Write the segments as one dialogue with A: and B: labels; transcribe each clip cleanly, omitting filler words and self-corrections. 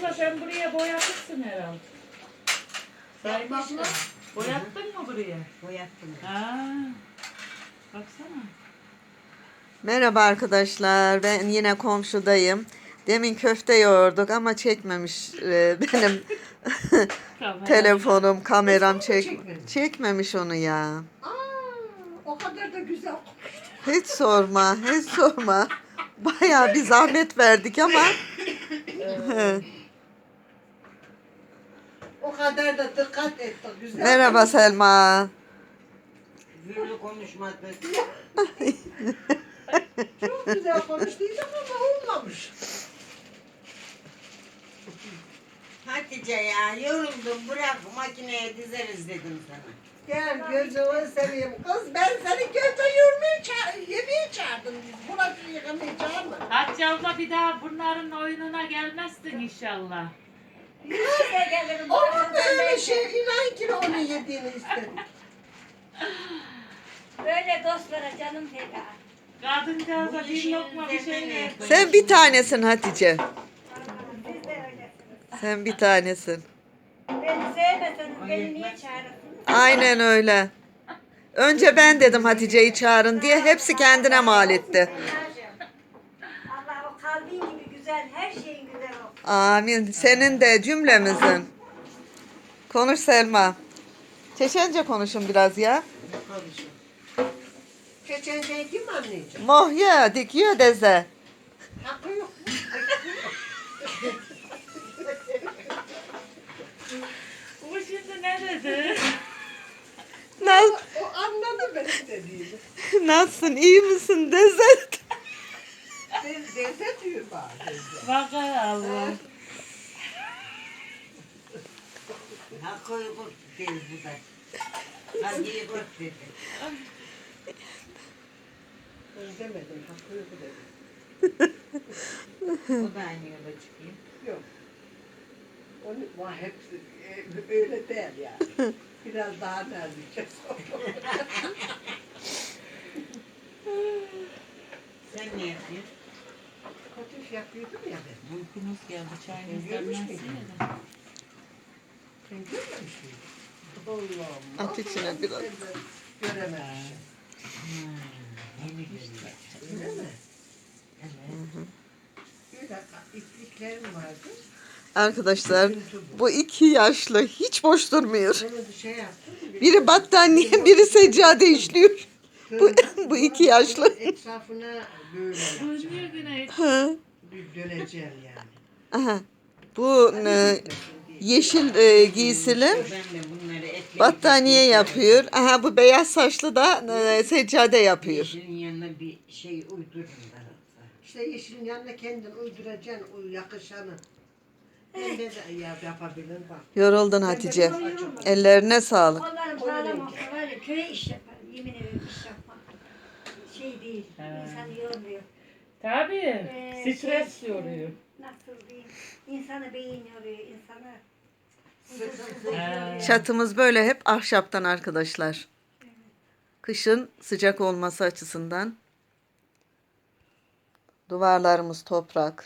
A: abla sen buraya boyatırsın herhalde.
B: Sayın abla.
A: Boyattın mı buraya?
B: Boyattım.
A: Ha. Baksana.
C: Merhaba arkadaşlar. Ben yine komşudayım. Demin köfte yoğurduk ama çekmemiş benim telefonum, kameram çekmemiş onu ya.
B: Aa, o kadar da güzel.
C: Hiç sorma, hiç sorma. Bayağı bir zahmet verdik ama.
B: O kadar da dikkat et. Güzel.
C: Merhaba Selma.
B: Gürlü konuşmadı. Çok güzel konuştuydum ama olmamış. Hatice ya yoruldum bırak makineye dizeriz dedim sana. Gel gözümü seveyim kız ben seni köfte yemeğe çağırdım. Burası yıkamaya çağırma.
A: Hatice abla bir daha bunların oyununa gelmezsin inşallah.
B: Olur mu öyle şey? İnan ki onu yediğini istedim.
D: Böyle dostlara canım feda.
A: Kadıncağıza bir lokma bir şey ver.
C: Sen bir tanesin Hatice.
D: Siz de öylesiniz.
C: Sen bir tanesin.
D: Beni sevmeseniz beni niye çağırırsınız?
C: Aynen öyle. Önce ben dedim Hatice'yi çağırın diye hepsi kendine mal etti.
D: Allah o kalbin gibi güzel, her şeyin güzel olsun.
C: Amin. Senin de cümlemizin. Konuş Selma. Çeçence konuşun biraz ya.
B: Çeçenceyi kim anlayacak?
C: Mohya dikiyor deze.
B: Hakkı yok.
A: Bu şimdi ne dedi?
C: Naz,
B: O anladı benim dediğimi.
C: nasılsın? İyi misin deze?
B: Deze diyor bana.
A: Bakar Allah.
B: Hakkı yok dedi bu da. Hakkı yok dedi. Ben demedim, hakkı yok dedi.
E: O da aynı yola çıkıyor.
B: Yok. Onu var hepsi öyle değil yani. Biraz daha nazikçe
E: Sen ne yapıyorsun?
B: Kotuş yapıyordum ya ben.
A: Uykumuz geldi. Çayımız
B: Görmüş
A: demlensin
B: müydün?
A: ya da.
B: Sen görmemiş miydin? Allah'ım.
C: At içine biraz.
B: Görememişim.
E: Yeni görüyor.
B: Öyle mi?
E: Evet.
B: Öyle ipliklerim vardı.
C: Arkadaşlar bu iki yaşlı hiç boş durmuyor.
B: Onu bir şey yaptım.
C: Biri battaniye, biri seccade işliyor. Bu iki yaşlı.
B: Etrafına böyle yapacağım.
A: Dönüyor güne.
C: Ha,
B: Bir döneceğim yani.
C: aha. Bu yeşil giysili
E: Ben de bunları ekleyip
C: battaniye yapıyor. Aha bu beyaz saçlı da seccade yapıyor.
E: Yeşilin yanına bir şey uydururum ben.
B: İşte yeşilin yanına kendin uyduracaksın o yakışanı. Ben de yapabilirim bak.
C: Yoruldun Hatice. Ellerine sağlık.
D: Onların sağlam olsa var ya köye iş yapar. Yemin ederim iş yapmak. Şey değil. İnsanı yormuyor.
A: Tabii. Stres
D: Şey,
A: yoruyor.
D: Nasıl diyeyim? İnsanı beyin yoruyor. İnsanı
C: Çatımız böyle hep ahşaptan arkadaşlar. Kışın sıcak olması açısından. Duvarlarımız toprak.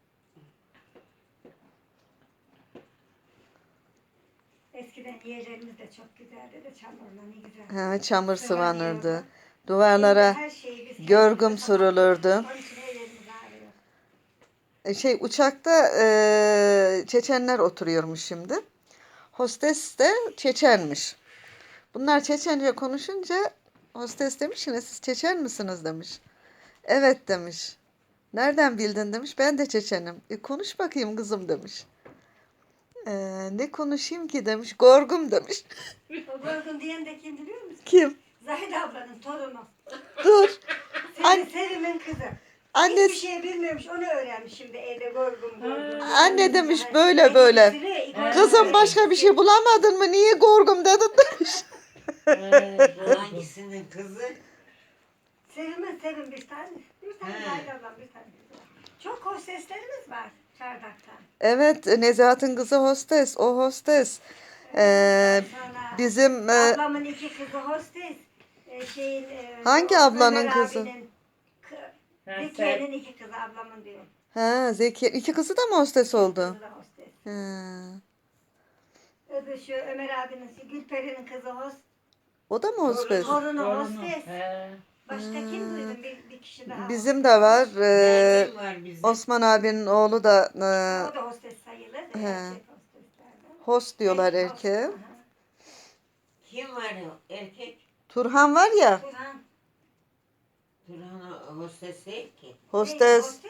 D: eskiden yerlerimiz de çok güzeldi de çamurla ne güzel.
C: Ha, çamur sıvanırdı. Duvarlara
D: Her şeyi biz
C: görgüm
D: kendimiz
C: sürülürdü.
D: yapamadık. Onun için ellerimiz ağrıyor.
C: Uçakta Çeçenler oturuyormuş şimdi. Hostes de Çeçenmiş. Bunlar Çeçence konuşunca hostes demiş ki siz Çeçen misiniz demiş. Evet demiş. Nereden bildin demiş. Ben de Çeçenim. Konuş bakayım kızım demiş. Ne konuşayım ki demiş. Gorgum demiş.
D: O Gorgun diyen de kim biliyor musun?
C: Kim?
D: Zahide ablanın torunu.
C: Dur.
D: Sevim'in kızı.
C: Anne,
D: Hiçbir şey bilmiyormuş, onu öğrenmiş şimdi evde Gorgun.
C: anne demiş böyle böyle. Kızım başka bir şey bulamadın mı? Niye gorgum dedin demiş.
E: Hangisinin kızı?
D: Sevim bir tane. Bir tane
E: He.
D: Zahide ablam bir tane. Çok hoş seslerimiz var çardakta.
C: Evet, Nezahat'ın kızı hostes. O hostes.
D: Sonra
C: Bizim
D: ablamın iki kızı hostes.
C: Hangi ablanın
D: Ömer
C: kızı?
D: abinin Zekiye'nin iki kızı ablamın diyor.
C: ha Zeki iki kızı da mı hostes oldu?
D: Kızı da hostes.
C: He.
D: Öbür şu Ömer abinin, Gülperi'nin kızı host.
C: O da mı hostes?
D: Torunu
A: Torunu.
D: hostes.
A: He.
D: Başka kim duydun? Bir kişi daha.
C: Bizim de var.
E: Nermin var bizim.
C: Osman abinin oğlu da
D: O da hostes sayılır. Da,
C: He.
D: erkek hosteslerden.
C: host diyorlar
D: Erkek
C: erkeğe.
D: host, aha.
E: Kim var o erkek?
C: Turhan var ya,
D: Turhan.
E: Turhan hostes değil ki.
C: hostes.
D: Host.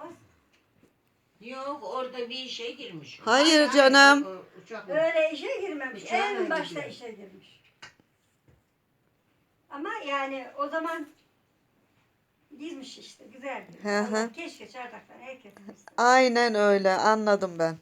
E: Yok orada bir işe girmiş. o.
C: Hayır canım.
B: O uçak mı?
D: Öyle işe girmemiş.
B: Uçağına
D: En başta
B: gidiyor.
D: işe girmiş. Ama yani o zaman girmiş işte. Güzeldi.
C: Hı hı.
D: Allah keşke çardaktan herkes girse.
C: Aynen öyle, anladım ben.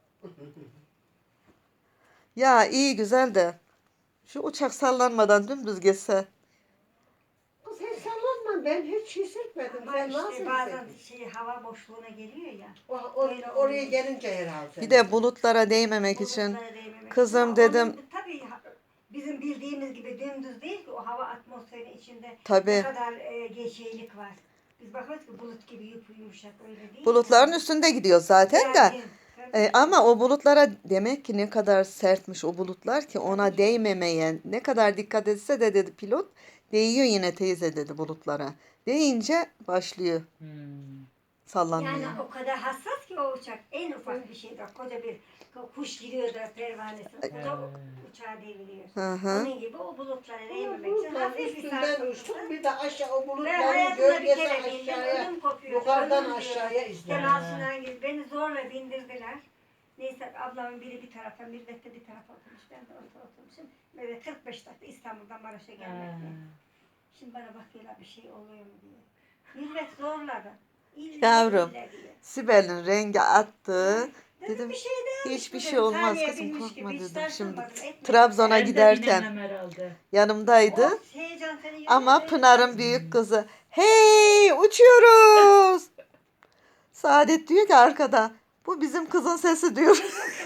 C: Ya iyi güzel de şu uçak sallanmadan dümdüz geçse.
B: Kız sen sallanma, ben hiç hissetmedim.
D: Ama
B: Sen
D: işte
B: nasıl
D: bazen
B: hissettin?
D: hava boşluğuna geliyor ya.
B: Oraya
D: oluyor.
B: gelince herhalde.
C: Bir de bulutlara değmemek için.
D: Bulutlara değmemek
C: Kızım
D: için. Ama
C: dedim.
D: onun tabii bizim bildiğimiz gibi dümdüz değil ki o hava atmosferinin içinde ne
C: Tabii.
D: kadar şeylik var. Biz bakıyoruz ki bulut gibi yumuşak öyle değil.
C: Bulutların üstünde gidiyor zaten de.
D: Yani, tabii.
C: Ama o bulutlara demek ki ne kadar sertmiş o bulutlar ki ona değmemeye ne kadar dikkat etse de dedi pilot değiyor yine teyze dedi bulutlara. Değince başlıyor
A: Hmm.
C: sallanmaya.
D: Yani o kadar hassas ki o uçak en ufak bir şeyde koca bir kuş giriyor da pervanesi o da uçağa deviriyor.
C: Hı hı.
D: Onun gibi o bulutlara değmemek için
B: Bulutların
D: hafif bir
B: üstünden
D: sarsıntı.
B: uçtuk, bir de aşağı o
D: Ben
B: bulutların
D: hayatımda bir
B: gölgesi
D: kere bindim,
B: aşağıya,
D: ödüm kopuyor.
B: yukarıdan
D: ölüm
B: aşağıya
D: diyorum.
B: izledim.
D: Kemal Sunal gibi beni zorla bindirdiler. Neyse ablamın biri bir tarafa, millet de bir tarafa oturmuş. Ben de orta oturmuşum. Böyle 45 dakika İstanbul'dan Maraş'a gelmekle. Şimdi bana bakıyorlar bir şey oluyor mu diye. Millet zorladı. İlle
C: Yavrum.
D: ille diye.
C: Sibel'in rengi attı.
D: Dedim
C: Dedim
D: bir şey değil.
C: hiçbir şey olmaz kızım
D: Bilmiş
C: korkma
D: gibi, hiç
C: dedim. Şimdi
D: sarsılmadım, etmedim.
C: Trabzon'a
A: Ben de
C: giderken
A: binemem herhalde.
C: yanımdaydı.
D: O heyecan seni yürüyor,
C: Ama
D: yürüyor.
C: Pınar'ın büyük kızı hey uçuyoruz. Saadet diyor ki arkada bu bizim kızın sesi diyor.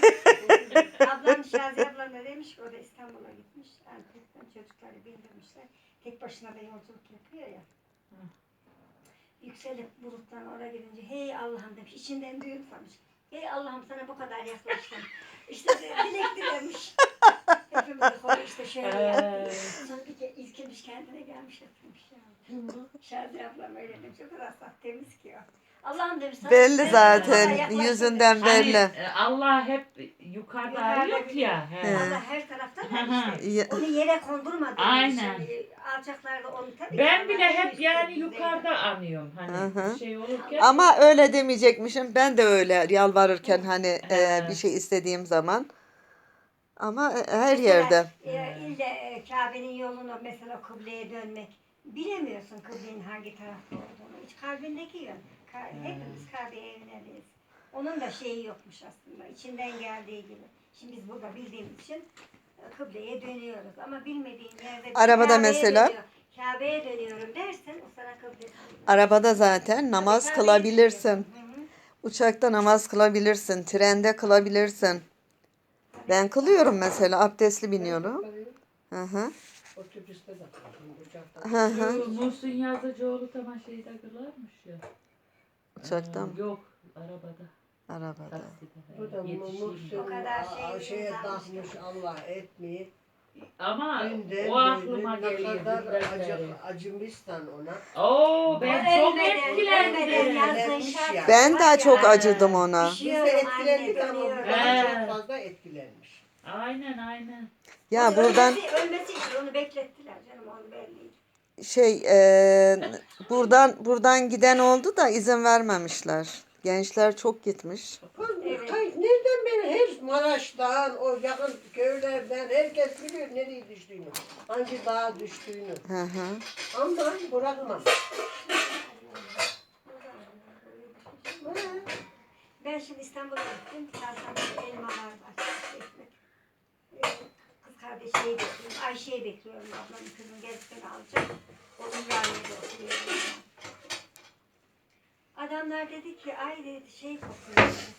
D: Ablam Şaziye ablam da demiş ki o da İstanbul'a gitmiş. Antep'ten çocukları bindirmişler. Tek başına da yolculuk yapıyor ya. Yükselip buluttan oraya gidince hey Allah'ım demiş. İçinden düğün sanmış. Hey Allah'ım sana bu kadar yaklaştım. İşte dilek dilemiş. Hepimiz konu işte şöyle yaptı. Sonra bir kere ilkilmiş kendine gelmiş yapmış ya. Şaziye ablam öyle demiş. O kadar saf temiz ki o. Allah'ım demiş. sana
C: Belli
D: ben sana
C: zaten
D: yaklaştım
C: yüzünden
D: demiş.
C: belli.
A: Allah hep yukarıda arıyor ki ya. He.
D: Allah her tarafta
A: Hı
D: da
A: hı.
D: işte.
C: Ya-
D: Onu yere kondurmadı.
A: Aynen.
D: Alçaklarda onu tabii.
A: Ben
D: ama
A: bile
D: en
A: hep
D: üstte
A: yani
D: düzeyde.
A: yukarıda anıyorum. Hani
C: Hı hı.
A: bir şey olurken.
C: Ama öyle demeyecekmişim. Ben de öyle yalvarırken hani
A: He.
C: bir şey istediğim zaman. Ama her
D: Mesela,
C: yerde.
D: İlle Kabe'nin yolunu mesela kıbleye dönmek. Bilemiyorsun kıblenin hangi tarafta olduğunu. Hiç kalbindeki yön. Hepimiz Kabe'ye yöneliyiz. Onun da şeyi yokmuş aslında. İçinden geldiği gibi. Şimdi biz burada bildiğimiz için kıbleye dönüyoruz. Ama bilmediğin yerde
C: Arabada
D: Kabe'ye
C: mesela-
D: dönüyor. Kabe'ye dönüyorum dersen o sana kıble.
C: Arabada zaten namaz
D: Kabe'ye
C: kılabilirsin.
D: dönüyorsun. Hı hı.
C: Uçakta namaz kılabilirsin. Trende kılabilirsin. Ben kılıyorum mesela. Abdestli biniyorum. Hı hı.
B: Otobüste de kaldım, uçakta.
C: Hı hı.
A: Muhsin Yazıcıoğlu tamam şeyde kılarmış ya.
C: Uçakta mı?
A: Yok arabada.
C: Arabada.
A: Takside.
B: Bu da
A: Yetişeyim.
B: Muhsin
D: O kadar
B: şeye
D: takmış.
B: takmış Allah etmeyi.
A: Ama
B: Dünden
A: o aklıma
B: böyle
A: geliyor.
B: ne kadar
A: dünden beri.
B: acımıştan ona.
A: Oo ben çok
D: Ölmeden
A: etkilendim.
D: yazdığı
B: Etkilenmiş
D: şarkı
B: ya.
C: Ben
D: var
C: de
D: ya,
C: çok
A: He.
C: acıdım ona.
B: Biz de
D: Düşüyorum
B: etkilendik
D: anne,
B: ama bu
D: dönüyorum.
B: daha
A: He.
B: çok fazla etkilenmiş.
A: Aynen aynen.
C: Ya
D: Onu
C: buradan
D: ölmesi için onu beklettiler canım onu belliydi.
C: buradan giden oldu da izin vermemişler. Gençler çok gitmiş.
D: Evet.
B: Nereden beri her Maraş'tan, o yakın köylerden herkes biliyor nereye düştüğünü. Hangi dağa düştüğünü.
C: Hı hı.
B: Ama bırakmam.
D: Ben şimdi İstanbul'a gittim. Çarşamba elmalar var. Ekmek. Kız kardeşeyi bekliyorum. Ayşe'yi bekliyorum. Ablamın kızım gelip beni alacak. O Ümraniye'de oturuyor. Adamlar dedi ki ay dedi şey kokuyor dedi.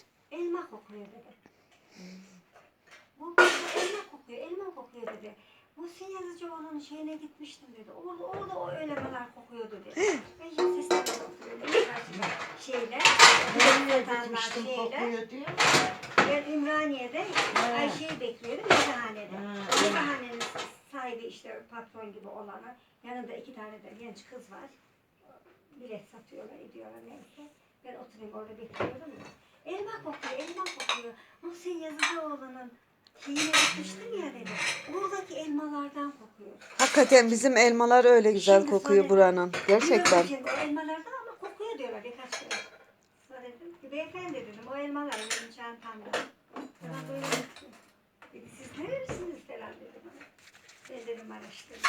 D: Elma kokuyor dedi. Bu elma kokuyor, elma kokuyor dedi. Muhsin Yazıcıoğlu'nun şeyine gitmiştim dedi. Orada o ölemeler kokuyordu dedi. Ben hiç seslerine bakıyorum. Şeyler,
B: Nereye
D: satanlar,
B: gitmiştim
D: şeyler.
B: kokuyor diyor.
D: Ben Ümraniye'de Ayşe'yi bekliyordum yazıhanede.
E: Ha,
D: Yazıhanenin sahibi işte patron gibi olanı. Yanında 2 tane de genç kız var. Bilet satıyorlar, ediyorlar neyse. Ben oturayım orada bekliyordum ya. Elma kokuyor, elma kokuyor. Muhsin Yazıcıoğlu'nun şeyine gitmiştim ya dedi. Oradaki elmalardan kokuyor.
C: Hakikaten bizim elmalar öyle güzel
D: Şimdi
C: kokuyor
D: sonra-
C: buranın. Gerçekten.
D: Şimdi o elmalardan ama kokuyor diyorlar birkaç kere. Sonra dedim ki beyefendi dedim o elmalar benim çantamda. Bana böyle baktı. Dedi siz nerelisiniz falan dedim. Ben dedim araştırdım.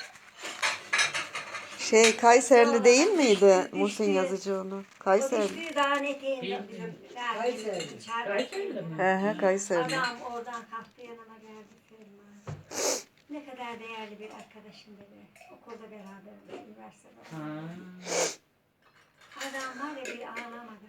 C: Kayserli değil miydi
D: Düştü.
C: Muhsin Yazıcıoğlu?
D: O
C: Kayseri.
D: düştüğü dağın eteğinde
A: Bilmiyorum.
D: bizim
B: Kayseri.
A: Kayseri'de mi?
C: He he Kayseri.
D: Adam oradan kalktı yanıma geldi Selma. Ne kadar değerli bir arkadaşım dedi. Okulda beraber üniversitede.
A: Ha.
D: Adam var ya bir ağlamadı.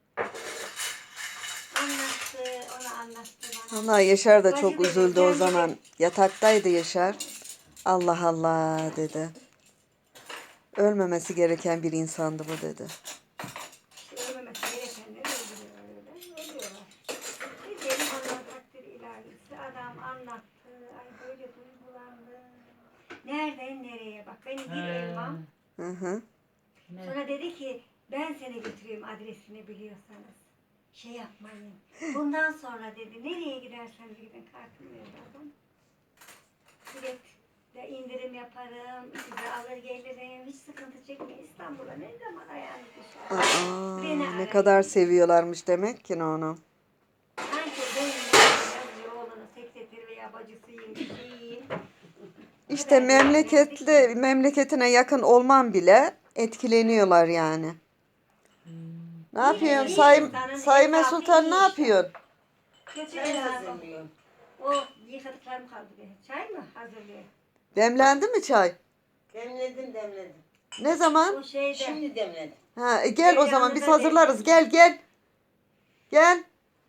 D: Anlattı, ona anlattı bana.
C: Allah Yaşar da
D: Bacı
C: çok
D: dedi,
C: üzüldü o
D: kendi
C: zaman.
D: de-
C: Yataktaydı Yaşar. Allah Allah dedi. Ölmemesi gereken bir insandı bu dedi.
D: İşte ölmemesi gerekenleri öldürüyor öyle. Ölüyorlar. Ne diyelim Allah takdir ilahisi. Adam anlattı. Ay böyle duygulandı. Nereden nereye bak. Benim bir elmam.
C: Hı hı.
A: Ne?
D: Sonra dedi ki ben seni götüreyim adresini biliyorsanız. Şey yapmayın. Bundan sonra dedi nereye giderseniz gidin kartımı verdi adam. Bilet de indirim yaparım. Size alır gelirim. Hiç sıkıntı çekmeyin. İstanbul'a ne zaman ayağınız düşer.
C: Aa,
D: Beni
C: ne
D: arayın.
C: kadar seviyorlarmış demek ki onu.
D: Sanki ben yazıyor oğlunun sekreteri veya bacısıyım, şeyiyim.
C: İşte memleketine yakın olman bile etkileniyorlar yani. Ne yapıyorsun? Sayme Sultan ne yapıyorsun?
D: Kötü
B: Çay
D: insan o.
B: hazırlıyorum.
D: O yıkadıklarım kaldı be. Çay mı hazırlıyor?
C: Demlendi mi çay?
B: Demledim.
C: Ne zaman?
D: O şeyde.
B: Şimdi demledim.
C: Ha, gel o zaman biz
D: Yanında
C: hazırlarız. Gel. Gel.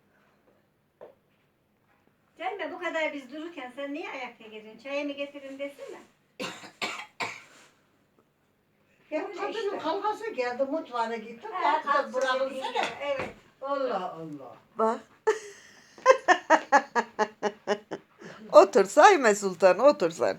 D: Selma bu kadar biz dururken sen niye ayakta geziyorsun? Çayımı getirin desene.
B: Ya
D: Öyle
B: kadının
D: işte.
B: kavgası geldi mutfağına gittim.
D: Ha,
B: Kalktı
D: kalksın dediğin
B: bırakılsana.
D: gibi, evet.
B: Allah Allah.
C: Bak. Otur Sayme Sultan otur sen.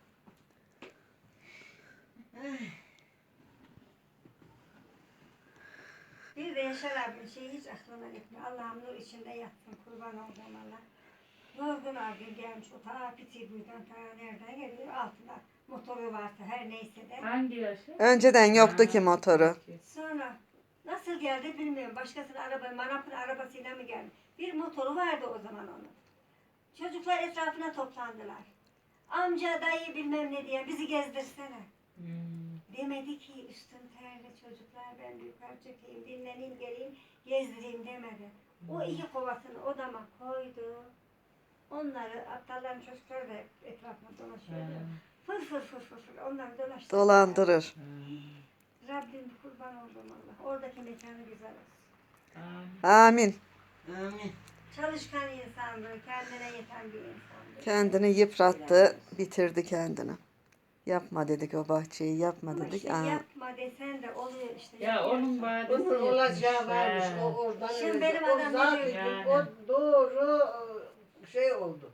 D: Bir de Yaşar abinin şeyi hiç aklına gitmiyor. Allah'ım nur içinde yatsın kurban olduğum Allah. Yorgun argın gelmiş o ta Pitibuy'dan ta nereden geliyor altında. Motoru varsa her neyse de.
A: Hangi yaşı?
C: Önceden yoktu
A: Ha,
C: ki motoru.
A: peki.
D: Sonra nasıl geldi bilmiyorum. Başkasının manapın arabasıyla mı geldi? Bir motoru vardı o zaman onun. Çocuklar etrafına toplandılar. Amca, dayı bilmem ne diye bizi gezdirsene. Demedi ki üstüm terli çocuklar ben bir yukarı çekeyim, dinleneyim, geleyim, gezdireyim demedi. O 2 kovasını odama koydu. Onları aptalların çocukları da etrafına dolaşıyordu. Fır fır fır fır fır onları dolaştırdı.
C: Dolandırır.
D: Rabbim kurban olduğum Allah. Oradaki mekanı güzel olsun.
C: Amin.
B: Amin.
D: Çalışkan insandı, kendine yeten bir insandı.
C: Kendini yıprattı, bitirdi kendini. Yapma dedik o bahçeyi, yapma
D: Ama
C: dedik.
D: işte
C: Aa,
D: yapma desen de oluyor işte.
A: Ya
D: yapıyorsun.
A: onun badesi
B: Onun olacağı
A: yetmiş.
B: varmış.
A: He.
B: O oradan
D: Şimdi
B: öyle.
D: benim
B: O
D: adam ne
B: zaten
A: diyor? Yani.
B: o doğru şey oldu.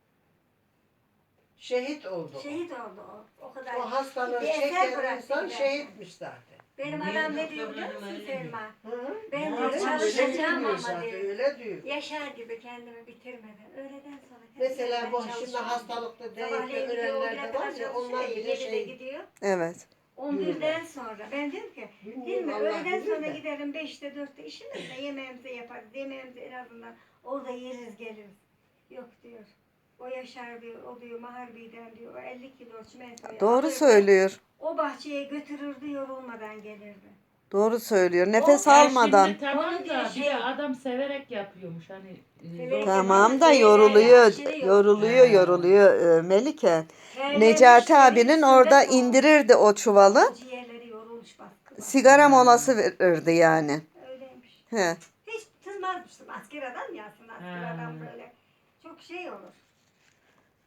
B: Şehit oldu.
D: Şehit oldu o. O kadar.
B: O hastalığı
D: Bir eser
B: çeken
D: bıraktı
B: insan
D: gider.
B: şehitmiş zaten.
D: Benim
E: Niye
D: adam ne diyor
E: doktorlarım
D: biliyor musun
E: öyle diyor?
D: Selma?
B: Hı?
D: Ben
B: Öyle
D: diyor çalışacağım
B: diyor
D: ama
B: zaten,
D: diyor.
B: öyle diyor.
D: Yaşar gibi kendimi bitirmeden. Öğleden sonra.
B: Mesela bu
D: ben
B: şimdi
D: çalışıyorum.
B: hastalıkta değil de
D: Sabahleyin gidiyor,
B: ölenler
D: 11'e
B: de
D: kadar
B: var ya onlar
D: çalışıyor,
B: bile
D: 7'de
B: şey.
D: gidiyor.
C: evet.
D: 11'den sonra. Ben diyorum ki değil
B: Bilmiyorum,
D: mi?
B: Allah
D: Öğleden
B: bilir
D: sonra
B: de.
D: giderim 5'te 4'te işimizde yemeğimizi yaparız. Yemeğimizi en azından orada yeriz geliriz. Yok diyor. O Yaşar diyor, o diyor Maharbi'den diyor, o 50 kilo çimentoyu
C: Doğru
D: alırdı,
C: söylüyor.
D: o bahçeye götürürdü yorulmadan gelirdi.
C: Doğru söylüyor. Nefes
A: Ya
C: almadan.
A: şimdi tamam
D: Onu diyor
A: da bir
D: şey-
A: de adam severek yapıyormuş hani.
D: Severek
C: Tamam da
D: Şeyler,
C: yoruluyor.
D: aşırı
C: Yoruluyor,
A: Ha.
C: yoruluyor Melike.
D: Terlemiş,
C: Necati
D: yerin
C: abinin
D: üstünde
C: orada
D: doğmuş.
C: indirirdi o çuvalı.
D: Ciğerleri yorulmuş baskı.
C: Sigara molası verirdi yani.
D: Öyleymiş.
C: He.
D: Hiç tınmazmıştım. Asker adam ya aslında asker
A: Ha.
D: adam böyle. Çok şey olur.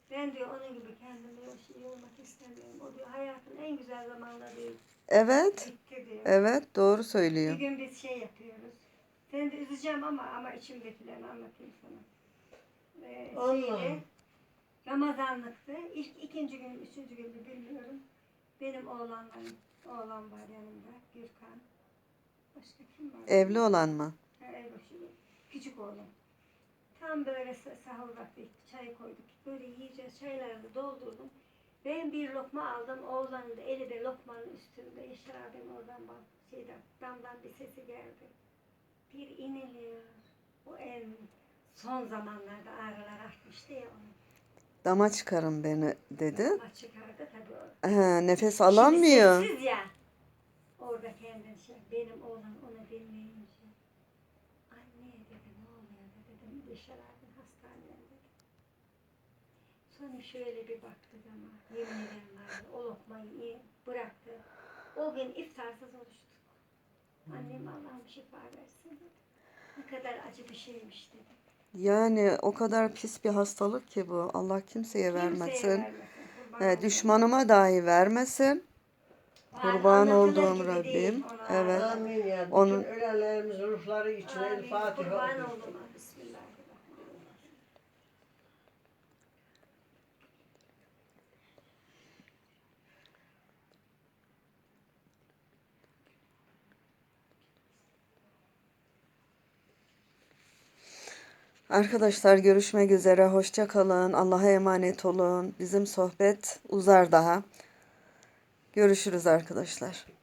D: Ben diyor onun gibi kendime yormak istemiyorum. O diyor hayatın en güzel zamanları diyor,
C: Evet.
D: bitti diyor.
C: Evet, doğru
D: Bir
C: söylüyor.
D: gün biz şey yapıyoruz. Seni de üzeceğim ama içimdekilerini anlatayım sana.
B: Allah.
D: Ramazanlıktı. İkinci gün, üçüncü gün mü bilmiyorum. Benim oğlan var yanımda. Gürkan. Başka kim var?
C: Evli olan mı?
D: Evli. Küçük oğlan. Tam böyle sahur vakti çay koyduk. Böyle yiyeceğiz. Çaylarını doldurdum. Ben bir lokma aldım. Oğlanın da eli de lokmanın üstünde. Yaşar abim oradan damdan bir sesi geldi. Bir iniliyor. O en son zamanlarda ağrılar artmıştı ya onun.
C: Dama çıkarın beni dedi.
D: Ama çıkardı tabii o.
C: Nefes alamıyor.
D: Şimdi sessiz ya. Orada kendin benim oğlan ona dinleyince. Anne dedi ne oluyor dedim. Yaşar abim hastanede dedi. Sonra şöyle bir baktı ama yemin ederim vardı. O lokmayı bıraktı. O gün iftarsız oruçtuk. Annem Allah'ım şifa versin dedi. Ne kadar acı bir şeymiş dedi.
C: Yani o kadar pis bir hastalık ki bu. Allah kimseye vermesin.
D: Kimseye vermesin.
C: Düşmanıma dahi vermesin. Kurban olduğum Rabbim. Evet.
B: Amin ya. Bütün
C: Onun-
B: ölenlerimizin ruhları için El Fatiha
D: Kurban
B: okuyun.
D: oldum. Bismillahirrahmanirrahim.
C: Arkadaşlar görüşmek üzere. Hoşça kalın. Allah'a emanet olun. Bizim sohbet uzar daha. Görüşürüz arkadaşlar.